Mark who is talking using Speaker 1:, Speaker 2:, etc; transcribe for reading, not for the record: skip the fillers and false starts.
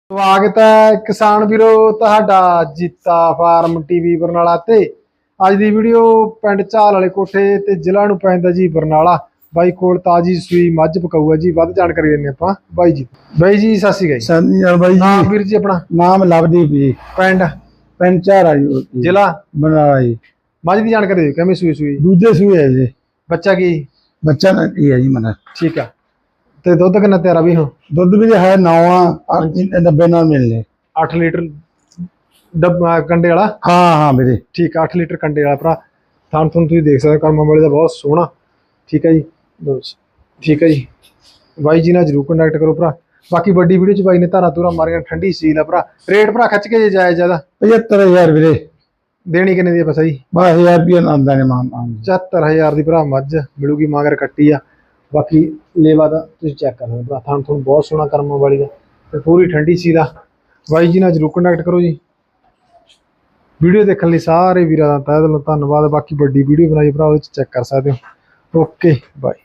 Speaker 1: ਸਵਾਗਤ ਹੈ ਕਿਸਾਨ ਵੀਰੋ ਤੁਹਾਡਾ ਜੀਤਾ ਫਾਰਮ ਟੀਵੀ ਬਰਨਾਲਾ ਤੇ ਅੱਜ ਦੀ ਵੀਡੀਓ ਪਿੰਡ ਝਾਲ ਵਾਲੇ ਕੋਠੇ ਤੇ ਜ਼ਿਲ੍ਹਾ ਨੂੰ ਪੈਂਦਾ ਜੀ ਬਰਨਾਲਾ। ਬਾਈ ਕੋਲ ਤਾਜੀ ਸੂਈ ਮੱਝ ਪਕਾਊ ਹੈ ਜੀ। ਵੱਧ ਜਾਣਕਾਰੀ ਦਿੰਦੇ ਆਪਾਂ ਬਾਈ ਜੀ। ਬਾਈ ਜੀ ਸਤਿ ਸ਼੍ਰੀ ਅਕਾਲ।
Speaker 2: ਸਤਿ ਸ਼੍ਰੀ ਅਕਾਲ ਬਾਈ ਜੀ।
Speaker 1: ਨਾਮ ਵੀਰ ਜੀ ਆਪਣਾ?
Speaker 2: ਨਾਮ ਲਵਦੀਪ ਜੀ।
Speaker 1: ਪਿੰਡ
Speaker 2: ਝਾਰਾ ਜੀ।
Speaker 1: ਜ਼ਿਲ੍ਹਾ
Speaker 2: ਬਰਨਾਲਾ ਜੀ।
Speaker 1: ਮੱਝ ਦੀ ਜਾਣਕਾਰੀ ਦਿਓ, ਕਿਵੇਂ ਸੂਈ? ਸੂਈ
Speaker 2: ਦੂਜੇ ਸੂਏ ਹੈ ਜੀ।
Speaker 1: ਬੱਚਾ ਕੀ?
Speaker 2: ਬੱਚਾ ਨਾ ਕੀ ਹੈ ਜੀ ਮਨਾ।
Speaker 1: ਠੀਕ ਆ। ਤੇ ਦੁੱਧ ਕਿੰਨਾ ਤਿਆਰਾ ਵੀ? ਹੋ
Speaker 2: ਦੁੱਧ ਵੀ ਹੈ 9 90 ਨਾਲ ਮਿਲਨੇ।
Speaker 1: 8 ਲੀਟਰ ਡੱਬਾ ਕੰਡੇ ਵਾਲਾ?
Speaker 2: ਹਾਂ ਵੀਰੇ
Speaker 1: ਠੀਕ ਆ। 8 ਲੀਟਰ ਕੰਡੇ ਵਾਲਾ ਭਰਾ। ਥਾਂ ਤੁਸੀਂ ਦੇਖ ਸਕਦੇ ਕਰਮਾਂ ਵਾਲੇ ਦਾ ਬਹੁਤ ਸੋਹਣਾ। ਠੀਕ ਹੈ ਜੀ। ਠੀਕ ਹੈ ਜੀ। ਬਾਈ ਜੀ ਨਾਲ ਜਰੂਰ ਕੰਟੈਕਟ ਕਰੋ ਭਰਾ। ਬਾਕੀ ਵੱਡੀ ਵੀਡੀਓ ਚ ਬਾਈ ਨੇ ਧਾਰਾ ਧੂਰਾ ਮਾਰੀਆਂ, ਠੰਡੀ ਸੀਲ ਆ ਭਰਾ। ਰੇਟ ਭਰਾ ਖਿੱਚ ਕੇ ਜੇ ਜਾਇਜ਼ ਜ਼ਿਆਦਾ
Speaker 2: 75000 ਵੀਰੇ।
Speaker 1: ਦੇਣੀ ਕਿੰਨੇ ਦੀ ਆ? ਬਸ ਜੀ
Speaker 2: 12000 ਰੁਪਏ ਆਉਂਦਾ ਨੇ ਮਾਨ।
Speaker 1: 74000 ਦੀ ਭਰਾ ਮੱਝ ਮਿਲੂਗੀ। ਮਗਰ ਕੱਟੀ ਆ। ਬਾਕੀ ਲੇਵਾ ਦਾ ਤੁਸੀਂ ਚੈੱਕ ਕਰ ਲਓ ਭਰਾ। ਥਾਂ ਤੁਹਾਨੂੰ ਬਹੁਤ ਸੋਹਣਾ ਕਰਮਾਂ ਵਾਲੀ ਦਾ ਤੇ ਪੂਰੀ ਠੰਡੀ ਸੀ ਦਾ। ਬਾਈ ਜੀ ਨਾਲ ਜਰੂਰ ਕੰਟੈਕਟ ਕਰੋ ਜੀ। ਵੀਡੀਓ ਦੇਖਣ ਲਈ ਸਾਰੇ ਵੀਰਾਂ ਦਾ ਤਹਿ ਦਿਲੋਂ ਧੰਨਵਾਦ। ਬਾਕੀ ਵੱਡੀ ਵੀਡੀਓ ਬਣਾਈ ਭਰਾ, ਉਹਦੇ ਚ ਚੈੱਕ ਕਰ ਸਕਦੇ ਹੋ। Okay bye.